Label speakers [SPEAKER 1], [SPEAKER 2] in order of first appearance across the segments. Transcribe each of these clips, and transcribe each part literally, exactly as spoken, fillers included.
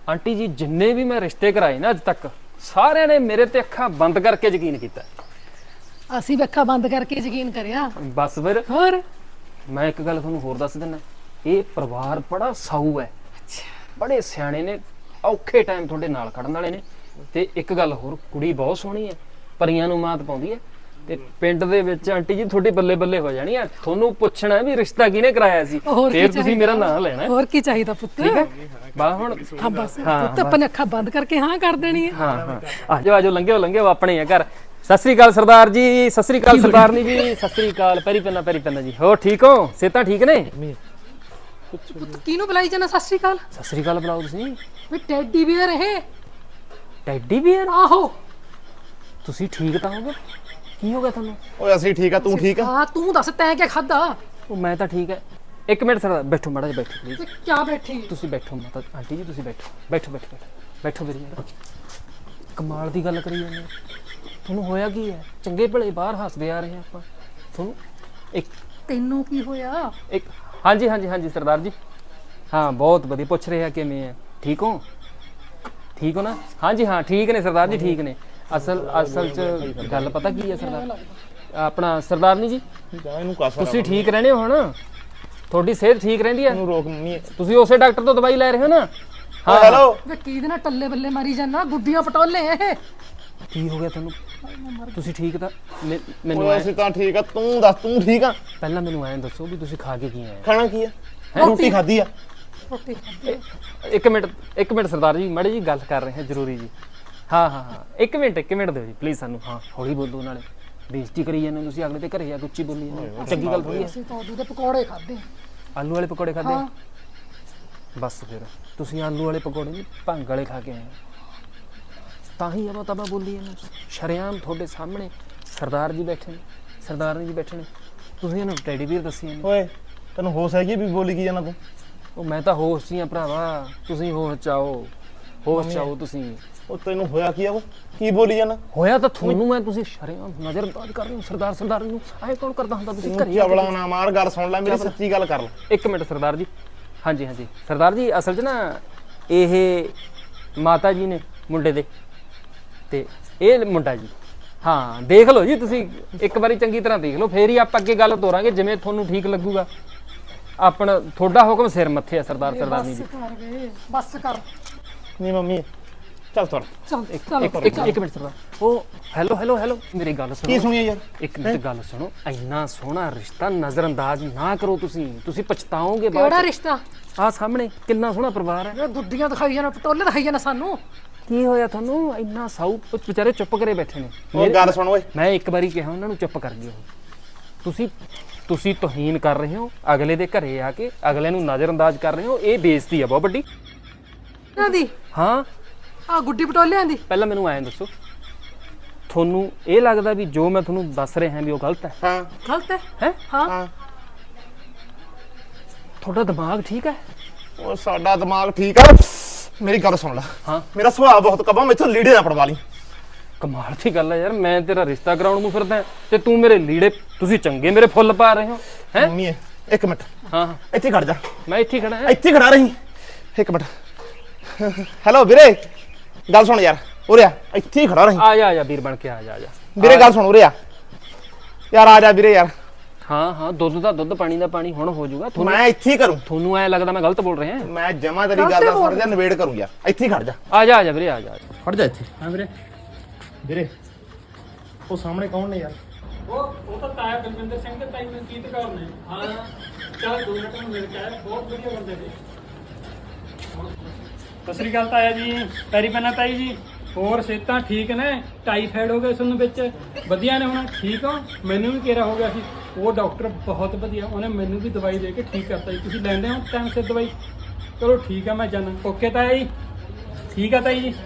[SPEAKER 1] Aunty ਜੀ ਜਿੰਨੇ ਵੀ ਮੈਂ ਰਿਸ਼ਤੇ ਕਰਾਏ ਨਾ ਅੱਜ ਤੱਕ ਸਾਰਿਆਂ ਨੇ ਮੇਰੇ ਤੇ ਅੱਖਾਂ ਬੰਦ ਕਰਕੇ ਯਕੀਨ ਕੀਤਾ।
[SPEAKER 2] ਅਸੀਂ ਵੀ ਅੱਖਾਂ ਬੰਦ ਕਰਕੇ ਯਕੀਨ ਕਰਿਆ।
[SPEAKER 1] ਬਸ ਫਿਰ
[SPEAKER 2] ਹੋਰ
[SPEAKER 1] ਮੈਂ ਇੱਕ ਗੱਲ ਤੁਹਾਨੂੰ ਹੋਰ ਦੱਸ ਦਿੰਦਾ, ਇਹ ਪਰਿਵਾਰ ਬੜਾ ਸਾਊ ਹੈ, ਬੜੇ ਸਿਆਣੇ ਨੇ, ਔਖੇ ਟਾਈਮ ਤੁਹਾਡੇ ਨਾਲ ਖੜਨ ਵਾਲੇ ਨੇ। ਤੇ ਇੱਕ ਗੱਲ ਹੋਰ, ਕੁੜੀ ਬਹੁਤ ਸੋਹਣੀ ਹੈ, ਪਰੀਆਂ ਨੂੰ ਮਾਤ ਪਾਉਂਦੀ ਹੈ। ਤੇ ਪਿੰਡ ਦੇ ਵਿੱਚ ਆਂਟੀ ਜੀ ਤੁਹਾਡੇ ਬੱਲੇ ਬੱਲੇ ਹੋ ਜਾਣੀ ਆ। ਤੁਹਾਨੂੰ ਪੁੱਛਣਾ ਵੀ ਰਿਸ਼ਤਾ ਕਿਹਨੇ ਕਰਾਇਆ ਸੀ, ਫਿਰ ਤੁਸੀਂ ਮੇਰਾ ਨਾਮ ਲੈਣਾ।
[SPEAKER 2] ਹੋਰ ਕੀ ਚਾਹੀਦਾ ਪੁੱਤ?
[SPEAKER 1] ਠੀਕ ਹੈ ਬਾ ਹੁਣ
[SPEAKER 2] ਹਾਂ ਬਸ ਪੁੱਤ ਆਪਣੇ ਅੱਖਾਂ ਬੰਦ ਕਰਕੇ ਹਾਂ ਕਰ ਦੇਣੀ ਹੈ।
[SPEAKER 1] ਹਾਂ ਹਾਂ ਆਜੋ ਆਜੋ ਲੰਘਿਓ ਲੰਘਿਓ ਆਪਣੇ ਆ ਘਰ। ਸਤਿ ਸ੍ਰੀ ਅਕਾਲ ਸਰਦਾਰ ਜੀ, ਸਤਿ ਸ੍ਰੀ ਅਕਾਲ ਸਰਦਾਰਨੀ ਜੀ, ਸਤਿ ਸ੍ਰੀ ਅਕਾਲ। ਪੈਰੀ ਪੈਨਾ ਪੈਰੀ ਪੈਨਾ ਜੀ। ਹੋਰ ਠੀਕ ਹੋ? ਸਿਹਤਾਂ ਠੀਕ ਨੇ?
[SPEAKER 2] ਪੁੱਤ ਕਿਹਨੂੰ ਬੁਲਾਈ ਜਾਣਾ ਸਤਿ ਸ੍ਰੀ ਅਕਾਲ?
[SPEAKER 1] ਸਤਿ ਸ੍ਰੀ ਅਕਾਲ ਬੁਲਾਓ ਤੁਸੀਂ।
[SPEAKER 2] ਵੀ ਟੈਡੀ ਬੀਅਰ ਇਹ?
[SPEAKER 1] Teddy bear?
[SPEAKER 2] ਆਹੋ।
[SPEAKER 1] ਤੁਸੀਂ ਠੀਕ ਤਾਂ ਹੋਗੇ? ਕੀ ਹੋ ਗਿਆ ਤੁਹਾਨੂੰ?
[SPEAKER 3] ਓਏ ਅਸੀਂ ਠੀਕ ਆ, ਤੂੰ ਠੀਕ ਆ?
[SPEAKER 2] ਹਾਂ ਤੂੰ ਦੱਸ ਤੈਂ ਕੀ ਖਾਦਾ?
[SPEAKER 1] ਉਹ ਮੈਂ ਤਾਂ ਠੀਕ ਹੈ। ਇੱਕ ਮਿੰਟ ਸਰਦਾਰ ਬੈਠੋ ਮਾੜਾ ਜਿਹਾ ਬੈਠੋ ਪਲੀਜ਼।
[SPEAKER 2] ਤੇ ਕਿਆ ਬੈਠੀ?
[SPEAKER 1] ਤੁਸੀਂ ਬੈਠੋ ਮਾਤਾ ਆਂਟੀ ਜੀ, ਤੁਸੀਂ ਬੈਠੋ ਬੈਠੋ ਬੈਠੋ ਬੈਠੋ ਬੈਠੋ ਮੇਰੀ ਯਾਰ। ਕਮਾਲ ਦੀ ਗੱਲ ਕਰੀ ਜਾਂਦੇ, ਤੁਹਾਨੂੰ ਹੋਇਆ ਕੀ ਹੈ? ਚੰਗੇ ਭਲੇ ਬਾਹਰ ਹੱਸਦੇ ਆ ਰਹੇ ਆਪਾਂ, ਤੁਹਾਨੂੰ ਇੱਕ
[SPEAKER 2] ਤੈਨੂੰ ਕੀ ਹੋਇਆ?
[SPEAKER 1] ਇੱਕ ਹਾਂਜੀ ਹਾਂਜੀ ਹਾਂਜੀ ਸਰਦਾਰ ਜੀ, ਹਾਂ ਬਹੁਤ ਵਧੀਆ। ਪੁੱਛ ਰਹੇ ਆ ਕਿਵੇਂ ਹੈ, ਠੀਕ ਹੋ? ਠੀਕ ਹੋ ਨਾ? ਹਾਂਜੀ ਹਾਂ ਠੀਕ ਨੇ ਸਰਦਾਰ ਜੀ, ਠੀਕ ਨੇ। ਅਸਲ ਅਸਲ ਚ ਗੱਲ ਪਤਾ ਕੀ ਹੈ ਸਰਦਾਰ ਆਪਣਾ ਸਰਦਾਰਨੀ ਜੀ,
[SPEAKER 3] ਇਹਨੂੰ ਕਾਸਾ
[SPEAKER 1] ਤੁਸੀਂ ਠੀਕ ਰਹਿੰਦੇ ਹੋ ਹੁਣ? ਤੁਹਾਡੀ ਸਿਹਤ ਠੀਕ ਰਹਿੰਦੀ ਹੈ?
[SPEAKER 3] ਇਹਨੂੰ ਰੋਕ ਨਹੀਂ।
[SPEAKER 1] ਤੁਸੀਂ ਉਸੇ ਡਾਕਟਰ ਤੋਂ ਦਵਾਈ ਲੈ ਰਹੇ ਹੋ ਨਾ?
[SPEAKER 3] ਹਾਂ ਹੈਲੋ।
[SPEAKER 2] ਵੇ ਕੀ ਦੇ ਨਾਲ ਟੱਲੇ ਬੱਲੇ ਮਾਰੀ ਜਾਨਾ, ਗੁੱਡੀਆਂ ਪਟੋਲੇ ਇਹ?
[SPEAKER 1] ਕੀ ਹੋ ਗਿਆ ਤੁਹਾਨੂੰ? ਤੁਸੀਂ ਠੀਕ ਤਾਂ ਮੈ- ਮੈਨੂੰ
[SPEAKER 3] ਓਏ
[SPEAKER 1] ਐਂ-
[SPEAKER 3] ਅਸੀਂ ਤਾਂ ਠੀਕ ਆ, ਤੂੰ ਦੱਸ ਤੂੰ ਠੀਕ ਆ?
[SPEAKER 1] ਪਹਿਲਾਂ ਮੈਨੂੰ ਐਂ ਦੱਸੋ ਵੀ ਤੁਸੀਂ ਖਾ ਕੇ ਕੀ ਆਏ?
[SPEAKER 3] ਖਾਣਾ ਕੀ ਆ? ਰੋਟੀ ਖਾਧੀ ਆ।
[SPEAKER 2] ਰੋਟੀ ਖਾਧੀ।
[SPEAKER 1] ਇੱਕ ਮਿੰਟ ਇੱਕ ਮਿੰਟ ਸਰਦਾਰ ਜੀ, ਮਾੜੀ ਜੀ ਗੱਲ ਕਰ ਰਹੇ ਹਾਂ ਜ਼ਰੂਰੀ ਜੀ। ਹਾਂ ਹਾਂ ਹਾਂ ਇੱਕ ਮਿੰਟ ਇੱਕ ਮਿੰਟ ਦਿਓ ਜੀ ਪਲੀਜ਼ ਸਾਨੂੰ। ਹਾਂ ਹੌਲੀ ਬੋਲੋ, ਨਾਲੇ ਬੇਇੱਜ਼ਤੀ ਕਰੀ ਜਾਂਦੇ ਹੋ ਤੁਸੀਂ, ਅਗਲੇ ਤੇ ਘਰੇ ਆ ਕੇ ਉੱਚੀ ਬੋਲੀ ਜਾਂਦੇ, ਚੰਗੀ ਗੱਲ ਥੋੜੀ ਹੈ।
[SPEAKER 2] ਅਸੀਂ ਤਾਂ ਉਹਦੇ ਪਕੌੜੇ ਖਾਦੇ।
[SPEAKER 1] ਆਲੂ ਵਾਲੇ ਪਕੌੜੇ ਖਾਦੇ?
[SPEAKER 2] ਹਾਂ।
[SPEAKER 1] ਬਸ ਫਿਰ ਤੁਸੀਂ ਆਲੂ ਵਾਲੇ ਪਕੌੜੇ ਨਹੀਂ ਭੰਗ ਵਾਲੇ ਖਾ ਕੇ ਆਏ, ਤਾਂ ਹੀ ਆਪਾਂ ਤਬਾ ਬੋਲੀ ਇਹਨੂੰ ਸ਼ਰੇਆਮ ਤੁਹਾਡੇ ਸਾਹਮਣੇ। ਸਰਦਾਰ ਜੀ ਬੈਠੇ ਨੇ, ਸਰਦਾਰਨੀ ਜੀ ਬੈਠੇ ਨੇ, ਤੁਸੀਂ ਇਹਨੂੰ ਟੈਡੀ ਬੀਅਰ ਦੱਸੀ ਜਾਂਦੇ।
[SPEAKER 3] ਓਏ ਤੈਨੂੰ ਹੋਸ਼ ਹੈਗੀ ਵੀ ਬੋਲੀ ਕੀ ਜਾਣਾ ਤੂੰ?
[SPEAKER 1] ਉਹ ਮੈਂ ਤਾਂ ਹੋਸ਼ 'ਚ ਹੀ ਆ ਭਰਾਵਾ, ਤੁਸੀਂ ਹੋਸ਼ 'ਚ ਆਓ, ਹੋਸ਼ 'ਚ ਆਓ ਤੁਸੀਂ।
[SPEAKER 3] ਉਹ ਤੈਨੂੰ ਹੋਇਆ ਕੀ ਆ? ਉਹ ਕੀ ਬੋਲੀ ਜਾਣਾ?
[SPEAKER 1] ਹੋਇਆ ਤਾਂ ਤੁਹਾਨੂੰ ਮੈਂ, ਤੁਸੀਂ ਸ਼ਰੇਆਮ ਨਜ਼ਰਅੰਦਾਜ਼ ਕਰ ਰਹੇ ਹੋ ਸਰਦਾਰ ਸਰਦਾਰ ਨੂੰ। ਐਂ ਕੌਣ ਕਰਦਾ ਹੁੰਦਾ? ਤੁਸੀਂ ਘਰੇ ਆ ਕੇ-
[SPEAKER 3] ਚਵਲਾ ਨਾ ਮਾਰ, ਗੱਲ ਸੁਣ ਲੈ ਮੇਰੀ, ਸੱਚੀ ਗੱਲ ਕਰ ਲੈ।
[SPEAKER 1] ਇੱਕ ਮਿੰਟ ਸਰਦਾਰ ਜੀ, ਹਾਂਜੀ ਹਾਂਜੀ ਸਰਦਾਰ ਜੀ, ਅਸਲ 'ਚ ਨਾ ਇਹ ਮਾਤਾ ਜੀ ਨੇ ਮੁੰਡੇ ਦੇ, ਤੇ ਇਹ ਮੁੰਡਾ ਜੀ। ਹਾਂ ਦੇਖ ਲਓ ਜੀ ਤੁਸੀਂ ਇੱਕ ਵਾਰੀ ਚੰਗੀ ਤਰ੍ਹਾਂ ਦੇਖ ਲਓ, ਫੇਰ ਹੀ ਆਪਾਂ ਅੱਗੇ ਗੱਲ ਤੋਰਾਂਗੇ ਜਿਵੇਂ ਤੁਹਾਨੂੰ ਠੀਕ ਲੱਗੂਗਾ। ਆਪਣਾ ਤੁਹਾਡਾ ਹੁਕਮ ਸਿਰ ਮੱਥੇ ਆ ਸਰਦਾਰ ਸਰਦਾਰਨੀ ਜੀ।
[SPEAKER 2] ਬਸ ਕਰ ਵੇ, ਬਸ ਕਰ।
[SPEAKER 3] ਨਹੀਂ ਮੰਮੀ ਚੱਲ ਤੁਰ।
[SPEAKER 2] ਚੱਲ
[SPEAKER 1] ਇੱਕ
[SPEAKER 2] ਚੱਲ
[SPEAKER 1] ਇੱਕ ਇੱਕ ਇੱਕ ਮਿੰਟ ਸਰਦਾਰ। ਉਹ ਹੈਲੋ ਹੈਲੋ ਹੈਲੋ ਮੇਰੀ ਗੱਲ ਸੁਣੋ।
[SPEAKER 3] ਕੀ ਸੁਣੀਆ ਯਾਰ?
[SPEAKER 1] ਇੱਕ ਮਿੰਟ ਗੱਲ ਸੁਣੋ, ਇੰਨਾ ਸੋਹਣਾ ਰਿਸ਼ਤਾ ਨਜ਼ਰਅੰਦਾਜ਼ ਨਾ ਕਰੋ ਤੁਸੀਂ, ਤੁਸੀਂ ਪਛਤਾਓਗੇ ਬਾਅਦ
[SPEAKER 2] ਕਿਹੜਾ
[SPEAKER 1] ਚ।
[SPEAKER 2] ਰਿਸ਼ਤਾ?
[SPEAKER 1] ਆਹ ਸਾਹਮਣੇ ਕਿੰਨਾ ਸੋਹਣਾ ਪਰਿਵਾਰ ਹੈ।
[SPEAKER 2] ਇਹ ਗੁੱਡੀਆਂ ਦਿਖਾਈ ਜਾਣਾ, ਪਟੋਲੇ ਦਿਖਾਈ ਜਾਣਾ ਸਾਨੂੰ।
[SPEAKER 1] ਕੀ ਹੋਇਆ ਤੁਹਾਨੂੰ? ਇੰਨਾ ਸਾਊ ਵਿਚਾਰੇ ਚੁੱਪ ਕਰੇ ਬੈਠੇ ਨੇ।
[SPEAKER 3] ਉਹ ਗੱਲ ਸੁਣ ਓਏ।
[SPEAKER 1] ਮੈਂ ਇੱਕ ਵਾਰੀ ਕਿਹਾ ਉਹਨਾਂ ਨੂੰ ਚੁੱਪ ਕਰ ਜਿਓ। ਤੁਸੀਂ ਤੁਸੀਂ ਤੋਹੀਨ ਕਰ ਰਹੇ ਹੋ ਅਗਲੇ ਦੇ ਘਰੇ ਆ ਕੇ, ਅਗਲੇ ਨੂੰ ਨਜ਼ਰਅੰਦਾਜ਼ ਕਰ ਰਹੇ ਹੋ, ਇਹ ਬੇਇੱਜ਼ਤੀ ਆ ਬਹੁਤ ਵੱਡੀ।
[SPEAKER 2] ਇਹਨਾਂ ਦੀ
[SPEAKER 1] ਹਾਂ
[SPEAKER 2] ਆ ਗੁੱਡੀ ਪਟੋਲਿਆਂ ਦੀ।
[SPEAKER 1] ਪਹਿਲਾਂ ਮੈਨੂੰ ਐਂ ਦੱਸੋ, ਤੁਹਾਨੂੰ ਇਹ ਲੱਗਦਾ ਵੀ ਜੋ ਮੈਂ ਤੁਹਾਨੂੰ ਦੱਸ ਰਿਹਾ ਵੀ ਉਹ ਗਲਤ ਹੈ?
[SPEAKER 3] ਹਾਂ
[SPEAKER 2] ਗਲਤ ਹੈ?
[SPEAKER 1] ਹੈ
[SPEAKER 2] ਹਾਂ।
[SPEAKER 3] ਹਾਂ।
[SPEAKER 1] ਤੁਹਾਡਾ ਦਿਮਾਗ ਠੀਕ ਹੈ?
[SPEAKER 3] ਉਹ ਸਾਡਾ ਦਿਮਾਗ ਠੀਕ ਆ। ਮੇਰੀ ਗੱਲ ਸੁਣ ਲੈ।
[SPEAKER 1] ਹਾਂ
[SPEAKER 3] ਮੇਰਾ ਸੁਭਾਅ ਬਹੁਤ ਕਬਾ, ਮੈਥੋਂ ਲੀੜੇ ਨਾ ਪੜਵਾ ਲਈ।
[SPEAKER 1] ਕਮਾਲ ਦੀ ਗੱਲ ਹੈ ਯਾਰ, ਮੈਂ ਤੇਰਾ ਰਿਸ਼ਤਾ ਕਰਾਉਣ ਨੂੰ ਫਿਰਦਾ ਤੇ ਤੂੰ ਮੇਰੇ ਲੀੜੇ, ਤੁਸੀਂ ਚੰਗੇ ਮੇਰੇ ਫੁੱਲ ਪਾ ਰਹੇ ਹੋ ਹੈ।
[SPEAKER 3] ਮੰਮੀ ਇੱਕ ਮਿੰਟ
[SPEAKER 1] ਹਾਂ ਹਾਂ
[SPEAKER 3] ਇੱਥੇ ਖੜ ਜਾ,
[SPEAKER 1] ਮੈਂ ਇੱਥੇ ਖੜਾ ਹਾਂ।
[SPEAKER 3] ਇੱਥੇ ਖੜਾ ਰਹੀ ਇੱਕ ਮਿੰਟ। ਹੈਲੋ ਵੀਰੇ, ਗੱਲ ਸੁਣ ਯਾਰ, ਉਰੇ ਆ, ਇੱਥੇ ਹੀ ਖੜਾ ਰਹੀ।
[SPEAKER 1] ਆ ਜਾ ਆ ਜਾ ਵੀਰ ਬਣ ਕੇ ਆ ਜਾ ਆ ਜਾ
[SPEAKER 3] ਵੀਰੇ ਗੱਲ ਸੁਣ, ਉਰੇ ਆ ਯਾਰ, ਆ ਜਾ ਵੀਰੇ ਯਾਰ।
[SPEAKER 1] ਹਾਂ ਹਾਂ ਦੁੱਧ ਦਾ ਦੁੱਧ, ਪਾਣੀ ਦਾ ਪਾਣੀ ਹੁਣ ਹੋ ਜਾਊਗਾ। ਤੁਹਾਨੂੰ
[SPEAKER 3] ਮੈਂ ਇੱਥੇ ਹੀ ਕਰੂੰ।
[SPEAKER 1] ਤੁਹਾਨੂੰ ਐ ਲੱਗਦਾ ਮੈਂ ਗਲਤ ਬੋਲ ਰਿਹਾ?
[SPEAKER 3] ਮੈਂ ਜਮਾ ਤੇਰੀ ਗੱਲ ਦਾ ਸੁਣ ਜਾ, ਨਿਬੇੜ ਕਰੂੰ ਯਾਰ, ਇੱਥੇ ਹੀ ਖੜ ਜਾ।
[SPEAKER 1] ਆ ਜਾ ਆ ਜਾ ਵੀਰੇ ਆ ਜਾ ਆ ਜਾ।
[SPEAKER 3] ਖੜ ਜਾ ਇੱਥੇ।
[SPEAKER 1] ਹਾਂ ਵੀਰੇ।
[SPEAKER 3] ਵੀਰੇ ਉਹ ਸਾਹਮਣੇ ਕੌਣ ਨੇ ਯਾਰ?
[SPEAKER 4] ਉਹ ਉਹ ਤਾਂ ਤਾਇਆ ਬਲਵਿੰਦਰ ਸਿੰਘ ਤੇ ਤਾਈ ਮਨਕੀਤ ਕੌਰ ਨੇ। ਹਾਂ ਚੱਲ ਦੋ ਮਿੰਟ ਨੂੰ ਮਿਲ ਕੇ ਆਇਆ, ਬਹੁਤ ਵਧੀਆ ਬੰਦੇ ਨੇ। ਸਤਿ ਸ੍ਰੀ ਅਕਾਲ ਤਾਇਆ ਜੀ, ਪੈਰੀ ਪੈਣਾ ਤਾਈ ਜੀ। ਹੋਰ ਸਿਹਤਾਂ ਠੀਕ ਨੇ? ਟਾਈਫਾਈਡ ਹੋ ਗਿਆ ਤੁਹਾਨੂੰ ਵਿੱਚ? ਵਧੀਆ ਨੇ ਹੁਣ? ਠੀਕ ਹੋ? ਮੈਨੂੰ ਵੀ ਘੇਰਾ ਹੋ ਗਿਆ ਸੀ, ਉਹ ਡਾਕਟਰ ਬਹੁਤ ਵਧੀਆ, ਉਹਨੇ ਮੈਨੂੰ ਵੀ ਦਵਾਈ ਦੇ ਕੇ ਠੀਕ ਕਰਤਾ ਜੀ। ਤੁਸੀਂ ਲੈਂਦੇ ਹੋ ਟਾਈਮ ਸਿਰ ਦਵਾਈ? ਚਲੋ ਠੀਕ ਆ, ਮੈਂ ਜਾਣਾ। ਓਕੇ ਤਾਇਆ ਜੀ, ਠੀਕ ਆ ਤਾਈ ਜੀ।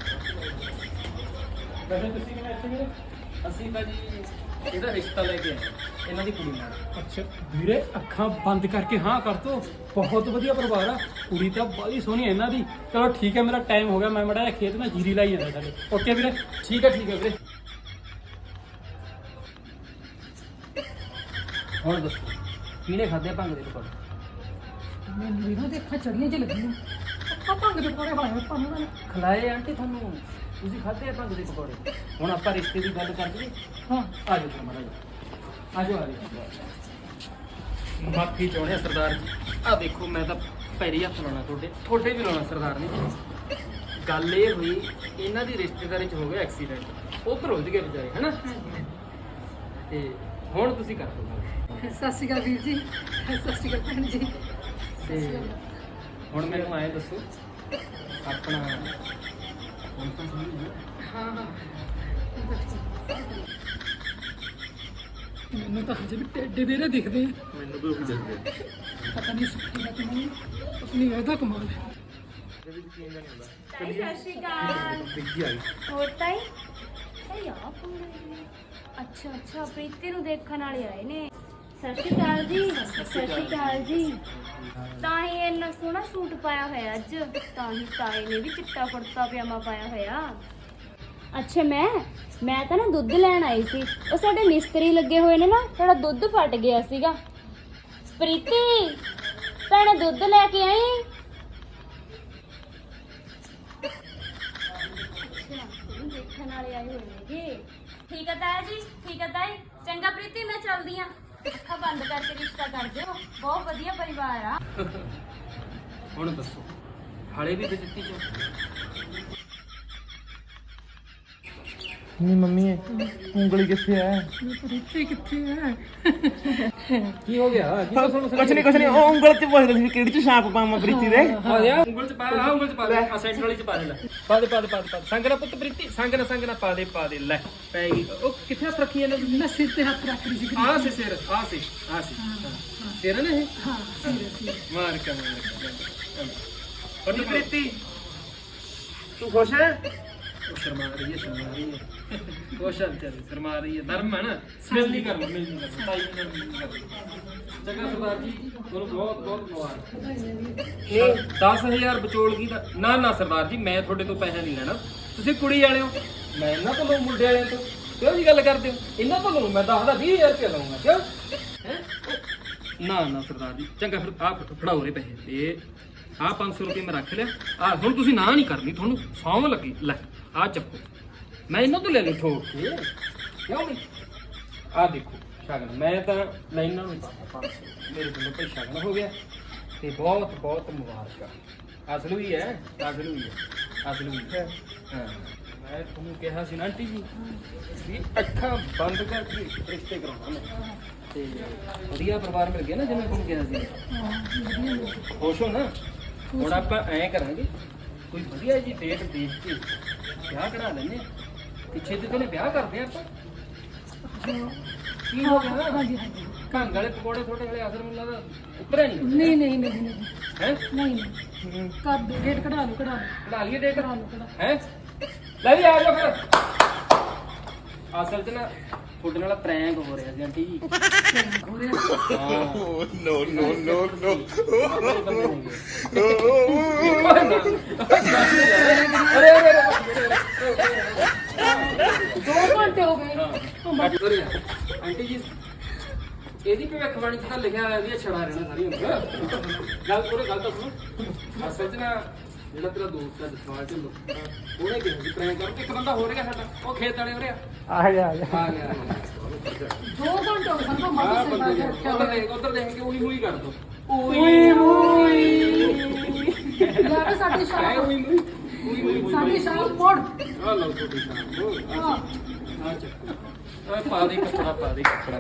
[SPEAKER 4] ਵੈਸੇ ਤੁਸੀਂ ਕਿਵੇਂ ਇੱਥੇ ਵੀਰੇ?
[SPEAKER 1] ਅਸੀਂ ਤਾਂ ਜੀ ਇਹਦਾ ਰਿਸ਼ਤਾ ਲੈ ਕੇ ਆਏ ਇਹਨਾਂ ਦੀ ਕੁੜੀ ਨਾਲ।
[SPEAKER 4] ਅੱਛਾ ਵੀਰੇ, ਅੱਖਾਂ ਬੰਦ ਕਰਕੇ ਹਾਂ ਕਰ ਦੋ, ਬਹੁਤ ਵਧੀਆ ਪਰਿਵਾਰ ਆ, ਕੁੜੀ ਤਾਂ ਬੜੀ ਸੋਹਣੀ ਹੈ ਇਹਨਾਂ ਦੀ। ਚਲੋ ਠੀਕ ਹੈ, ਮੇਰਾ ਟਾਈਮ ਹੋ ਗਿਆ, ਮੈਂ ਮੜਾ ਖੇਤ ਨਾਲ ਜੀਰੀ ਲਾਈ ਜਾਂਦਾ ਸਾਡੇ। ਓਕੇ ਵੀਰੇ, ਠੀਕ ਹੈ ਠੀਕ ਹੈ ਵੀਰੇ।
[SPEAKER 1] ਹੁਣ ਦੱਸੋ ਕਿਹਨੇ ਖਾਦੇ ਭੰਗ ਦੇ ਪਕੌੜੇ?
[SPEAKER 2] ਮੈਨੂੰ ਇਹਨਾਂ ਦੇ ਅੱਖਾਂ ਚੜੀਆਂ ਚ ਲੱਗੀਆਂ। ਆ ਭੰਗ ਦੇ ਪਕੌੜੇ ਖਾਏ ਆਪਾਂ ਉਹਨਾਂ ਨੇ।
[SPEAKER 1] ਖਲਾਏ ਆਂਟੀ ਤੁਹਾਨੂੰ, ਤੁਸੀਂ ਖਾਧੇ ਆ ਭੰਗ ਦੇ ਪਕੌੜੇ। ਹੁਣ ਆਪਾਂ ਰਿਸ਼ਤੇ ਦੀ ਗੱਲ ਕਰ ਲਈਏ।
[SPEAKER 2] ਹਾਂ
[SPEAKER 1] ਆ ਜਾਓ ਫਿਰ ਮਾੜਾ ਜਿਹਾ। ਆ ਜਾਓ ਆ ਜਾਓ। ਮਾਫੀ ਚਾਹੁੰਦੇ ਆ ਸਰਦਾਰ ਜੀ। ਆ ਦੇਖੋ ਮੈਂ ਤਾਂ ਪੈਰੀ ਹੱਥ ਲਾਉਣਾ ਤੁਹਾਡੇ, ਤੁਹਾਡੇ ਵੀ ਲਾਉਣਾ ਸਰਦਾਰ ਨੇ। ਗੱਲ ਇਹ ਹੋਈ, ਇਹਨਾਂ ਦੀ ਰਿਸ਼ਤੇਦਾਰੀ 'ਚ ਹੋ ਗਿਆ ਐਕਸੀਡੈਂਟ, ਉਹ ਭਰੋਜ ਗਏ ਵਿਚਾਰੇ ਹਨਾ। ਤੇ ਹੁਣ ਤੁਸੀਂ ਕਰ ਦਿਓ ਗੱਲ।
[SPEAKER 2] ਸਤਿ ਸ਼੍ਰੀ ਅਕਾਲ ਵੀਰ ਜੀ, ਸਤਿ ਸ਼੍ਰੀ ਅਕਾਲ ਭੈਣ ਜੀ।
[SPEAKER 1] ਤੇ ਹੁਣ ਮੈਨੂੰ ਐਂ ਦੱਸੋ ਆਪਣਾ ਹੁਣ ਤਾਂ ਸਮਝ ਗਏ।
[SPEAKER 2] ਹਾਂ ਹਾਂ ਇਹ ਤਾਂ ਠੀਕ। ਮੈਨੂੰ ਤਾਂ ਹਜੇ ਵੀ ਟੇਡੇ ਦੇ ਦਿਖਦੇ ਆ।
[SPEAKER 3] ਮੈਨੂੰ ਵੀ ਉਹੀ ਦਿੰਦੇ
[SPEAKER 2] ਪਤਾ ਨਹੀਂ ਸੁੱਕੀ ਦਾ ਕਿ ਨਹੀਂ, ਆਪਣੀ ਇਹਦਾ ਕਮਾਲ ਹੈ।
[SPEAKER 5] ਤਾਈ ਸਤਿ ਸ਼੍ਰੀ ਅਕਾਲ।
[SPEAKER 3] ਬਿੱਗੀ ਆਈ
[SPEAKER 5] ਹੋਰ ਤਾਈ ਤਾਈ ਆ ਕੌਣ ਹੈ? ਅੱਛਾ ਅੱਛਾ ਪ੍ਰੀਤੀ ਨੂੰ ਦੇਖਣ ਵਾਲੇ ਆਏ ਨੇ। ਸਤਿ ਸ਼੍ਰੀ ਅਕਾਲ ਜੀ। ਸਤਿ ਸ਼੍ਰੀ ਅਕਾਲ ਜੀ। ਤਾਂ ਹੀ ਇੰਨਾ ਸੋਹਣਾ ਸੂਟ ਪਾਇਆ ਹੋਇਆ ਅੱਜ, ਤਾਂ ਹੀ ਤਾਏ ਨੇ ਵੀ ਚਿੱਟਾ ਕੁੜਤਾ ਪਜਾਮਾ ਪਾਇਆ ਹੋਇਆ। ਅੱਛਾ ਮੈਂ ਮੈਂ ਤਾਂ ਨਾ ਦੁੱਧ ਲੈਣ ਆਈ ਸੀ, ਉਹ ਸਾਡੇ ਮਿਸਤਰੀ ਲੱਗੇ ਹੋਏ ਨੇ ਨਾ, ਸਾਡਾ ਦੁੱਧ ਫਟ ਗਿਆ ਸੀਗਾ। ਪ੍ਰੀਤੀ ਭੈਣੇ ਦੁੱਧ ਲੈ ਕੇ ਆਈ। ਅੱਛਾ ਦੇਖਣ ਵਾਲੇ ਆਏ ਹੋਏ ਨੇਗੇ। ਠੀਕ ਹੈ ਤਾਇਆ ਜੀ, ਠੀਕ ਹੈ ਤਾਈ। ਚੰਗਾ ਪ੍ਰੀਤੀ ਮੈਂ ਚੱਲਦੀ ਆਂ, ਅੱਖਾਂ ਬੰਦ ਕਰਕੇ ਰਿਸ਼ਤਾ ਕਰ ਦਿਓ, ਬਹੁਤ ਵਧੀਆ ਪਰਿਵਾਰ ਆ।
[SPEAKER 1] ਹੁਣ ਦੱਸੋ ਹਾਲੇ ਵੀ ਬੇਇੱਜ਼ਤੀ ਚੋਂ?
[SPEAKER 3] ਨਹੀਂ ਮੰਮੀ ਉਂਗਲੀ ਕਿੱਥੇ ਹੈ?
[SPEAKER 2] ਪ੍ਰੀਤੀ ਕਿੱਥੇ ਹੈ?
[SPEAKER 1] ਕੀ ਹੋ ਗਿਆ? ਕੀ ਦੱਸੋ
[SPEAKER 3] ਕੁਛ ਨਹੀਂ ਕੁਛ ਨਹੀਂ, ਉਹ ਉਂਗਲ ਤੇ ਪੁੱਛਦਾ ਸੀ ਕਿਹੜੀ ਚ ਛਾਪ ਪਾਵਾਂ ਪ੍ਰੀਤੀ ਦੇ।
[SPEAKER 1] ਆ ਜਾ ਉਂਗਲ ਚ ਪਾ, ਆ ਉਂਗਲ ਚ ਪਾ ਦੇ, ਆ ਸੈਂਟਰ ਵਾਲੀ ਚ ਪਾ ਦੇ ਲੈ। ਪਾ ਦੇ ਪਾ ਦੇ ਪਾ ਦੇ ਪਾ ਦੇ। ਸੰਗ ਨਾ ਪੁੱਤ ਪ੍ਰੀਤੀ, ਸੰਗ ਨਾ ਸੰਗ ਨਾ ਪਾ ਦੇ ਪਾ ਦੇ ਲੈ ਪੈ ਗਈ। ਉਹ ਕਿੱਥੇ ਹੱਥ ਰੱਖੀ ਇਹਨੇ?
[SPEAKER 2] ਮੈਂ ਸਿਰ ਤੇ ਹੱਥ ਰੱਖ ਰਹੀ ਸੀ।
[SPEAKER 1] ਆ ਸੇ ਸਿਰ, ਆ ਸੇ ਆ ਸੇ ਸਿਰ ਨੇ ਇਹ
[SPEAKER 2] ਹਾਂ ਸਿਰ ਤੇ।
[SPEAKER 1] ਮਾਰ ਕੇ ਮਾਰ ਕੇ।
[SPEAKER 3] ਉਹ ਪ੍ਰੀਤੀ ਤੂੰ ਖੁਸ਼ ਹੈ?
[SPEAKER 1] ਉਹ ਸ਼ਰਮਾ ਰਹੀ ਹੈ, ਸ਼ਰਮਾ ਰਹੀ ਹੈ। ਉਹ ਸ਼ਰਮਾ ਸ਼ਰਮਾ ਰਹੀ ਹੈ। ਧਰਮ ਹੈ ਨਾ, ਸਮੈਲ ਨਹੀਂ ਕਰਨਾ, ਮਿਲ ਨਹੀਂ ਕਰਨਾ, ਤਾਈ ਨਾਲ ਮਿਲ ਨਹੀਂ ਕਰਨਾ। ਚੰਗਾ ਸਰਦਾਰ ਜੀ, ਤੁਹਾਨੂੰ ਬਹੁਤ ਬਹੁਤ ਮੁਬਾਰਕ। ਇਹ ਦਸ ਹਜ਼ਾਰ ਵਿਚੋਲਗੀ ਦਾ ਨਾ ਨਾ ਸਰਦਾਰ ਜੀ, ਮੈਂ ਤੁਹਾਡੇ ਤੋਂ ਪੈਸਾ ਨਹੀਂ ਲੈਣਾ। ਤੁਸੀਂ ਕੁੜੀ ਵਾਲੇ ਹੋ, ਮੈਂ ਇਹਨਾਂ ਤੋਂ ਲਊ, ਮੁੰਡੇ ਵਾਲਿਆਂ ਤੋਂ। ਕਿਉਂ ਜੀ ਗੱਲ ਕਰਦੇ ਹੋ? ਇਹਨਾਂ ਤੋਂ ਲਊ ਮੈਂ ਦਸ ਦਾ ਵੀਹ ਹਜ਼ਾਰ ਰੁਪਇਆ ਲਊਂਗਾ। ਕਿਉਂ ਹੈ? ਨਾ ਨਾ ਸਰਦਾਰ ਜੀ, ਚੰਗਾ ਫਿਰ ਆਹ ਫੜਾਓ ਰੇ ਪੈਸੇ। ਤੇ ਆਹ ਪੰਜ ਸੌ ਰੁਪਏ ਮੈਂ ਰੱਖ ਲਿਆ। ਆ ਹੁਣ ਤੁਸੀਂ ਨਾ ਨਹੀਂ ਕਰਨੀ, ਤੁਹਾਨੂੰ ਸੌਂ ਲੱਗੀ। ਲੈ ਆ ਚੱਕੋ, ਮੈਂ ਇਹਨਾਂ ਤੋਂ ਲੈ ਲਈ ਠੋਕ ਕੇ। ਕਿਉਂ ਬਈ? ਆ ਦੇਖੋ ਸ਼ਗਨ, ਮੈਂ ਤਾਂ ਲੈ ਇਹਨਾਂ ਨੂੰ ਪਾਤਾ ਪੰਜ ਸੌ, ਮੇਰੇ ਕੋਲੋਂ ਭਾਈ ਸ਼ਗਨ ਹੋ ਗਿਆ। ਤੇ ਬਹੁਤ ਬਹੁਤ ਮੁਬਾਰਕਾਂ। ਅਸਲ ਵੀ ਹੈ, ਅਸਲ ਵੀ ਹੈ, ਅਸਲ ਵੀ ਹੈ। ਹਾਂ ਮੈਂ ਤੁਹਾਨੂੰ ਕਿਹਾ ਸੀ ਨਾ ਆਂਟੀ ਜੀ ਵੀ ਅੱਖਾਂ ਬੰਦ ਕਰਕੇ ਰਿਸ਼ਤੇ ਕਰਾਉਣਾ ਮੈਂ। ਤੇ ਵਧੀਆ ਪਰਿਵਾਰ ਮਿਲ ਗਿਆ ਨਾ, ਜਿਵੇਂ ਤੁਹਾਨੂੰ ਕਿਹਾ ਸੀ। ਖੁਸ਼ ਹੋ ਨਾ? ਹੁਣ ਆਪਾਂ ਐਂ ਕਰਾਂਗੇ, ਕੋਈ ਵਧੀਆ ਜੀ ਡੇਟ ਦੇਖ ਕੇ ਵਿਆਹ ਕਰਾ ਲੈਂਦੇ ਆ। ਪਿੱਛੇ ਤੇ ਪਹਿਲੇ ਵਿਆਹ ਕਰਦੇ ਆ ਆਪਾਂ। ਕੀ ਹੋ ਗਿਆ?
[SPEAKER 2] ਹਾਂਜੀ ਹਾਂਜੀ।
[SPEAKER 1] ਭੰਗ ਵਾਲੇ ਪਕੌੜੇ ਥੋੜੇ ਵਾਲੇ ਅਸਰ ਮੈਨੂੰ ਲੱਗਦਾ ਉਤਰਿਆ ਨਹੀਂ।
[SPEAKER 2] ਨਹੀਂ ਨਹੀਂ ਨਹੀਂ ਨਹੀਂ
[SPEAKER 1] ਹੈ
[SPEAKER 2] ਨਹੀਂ ਨਹੀਂ ਕਰ ਦੇ, ਰੇਟ ਕਢਾ ਲਓ ਕਢਾ ਲਓ
[SPEAKER 1] ਕਢਾ ਲਈਏ ਡੇਟ?
[SPEAKER 2] ਕਢਾ ਲਓ ਕਢਾ
[SPEAKER 1] ਹੈ ਲੈ ਵੀ ਆ ਜਾਓ ਫਿਰ। ਅਸਲ 'ਚ ਨਾ ਤੁਹਾਡੇ ਨਾਲ ਪ੍ਰੈਂਕ ਹੋ ਰਿਹਾ ਸੀ ਆਂਟੀ ਜੀ।
[SPEAKER 2] ਹੋ ਰਿਹਾ।
[SPEAKER 1] ਹਾਂ
[SPEAKER 3] ਨੋ ਨੋ ਨੋ ਨੋ
[SPEAKER 1] ਅਰੇ ਅਰੇ
[SPEAKER 2] ਦੋ ਘੰਟੇ ਹੋ ਗਏ।
[SPEAKER 1] ਆਂਟੀ ਜੀ ਇਹਦੀ ਭਵਿੱਖਬਾਣੀ 'ਚ ਤਾਂ ਲਿਖਿਆ ਹੋਇਆ ਵੀ ਇਹ ਛੜਾ ਰਹਿਣਾ ਸਾਰੀ ਉਮਰ। ਗੱਲ ਉਹਨੇ ਗੱਲ ਤਾਂ ਸੁਣੋ। ਅਸਲ 'ਚ ਨਾ ਜਿਹੜਾ ਤੇਰਾ ਦੋਸਤ ਹੈ ਜਸਵਾਲ ਢਿੱਲੋਂ, ਉਹਨੇ ਕਿਹਾ ਸੀ ਪ੍ਰੈਂਕ ਕਰ। ਇੱਕ ਬੰਦਾ ਹੋ ਰਿਹਾ ਸਾਡਾ, ਉਹ ਖੇਤ ਵਾਲੇ ਹੋ ਰਿਹਾ।
[SPEAKER 3] ਆ ਗਿਆ ਆ ਗਿਆ
[SPEAKER 1] ਆ ਗਿਆ
[SPEAKER 2] ਦੋ ਘੰਟੇ ਹੋ ਗਏ ਸਾਨੂੰ
[SPEAKER 1] ਆ
[SPEAKER 2] ਮਾਸੀ
[SPEAKER 1] ਬੰਦੇ
[SPEAKER 2] ਸੇ ਰੱਖਿਆ
[SPEAKER 1] ਉਧਰ
[SPEAKER 2] ਹੋਇਆ।
[SPEAKER 1] ਦੇਖ, ਉਧਰ ਦੇਖ ਕੇ ਉਹੀ ਮੂਹੀ ਕਰ ਦੋ।
[SPEAKER 2] ਓਏ ਓਏ ਲੈ ਕੇ ਸਾਡੀ
[SPEAKER 1] ਹੈ
[SPEAKER 2] ਸ਼ਾਮ,
[SPEAKER 1] ਉਹੀ ਮੂਹੀ ਉਹੀ ਮੂਹੀ
[SPEAKER 2] ਸਾਡੀ ਸ਼ਾਮ ਮੋੜ।
[SPEAKER 1] ਆ ਲਓ ਤੁਹਾਡੀ ਸ਼ਾਮ।
[SPEAKER 2] ਹਾਂ
[SPEAKER 1] ਆ ਚੱਕ ਆ ਪਾ ਦੇ ਕੱਪੜਾ, ਪਾ ਦੇ ਕੱਪੜਾ।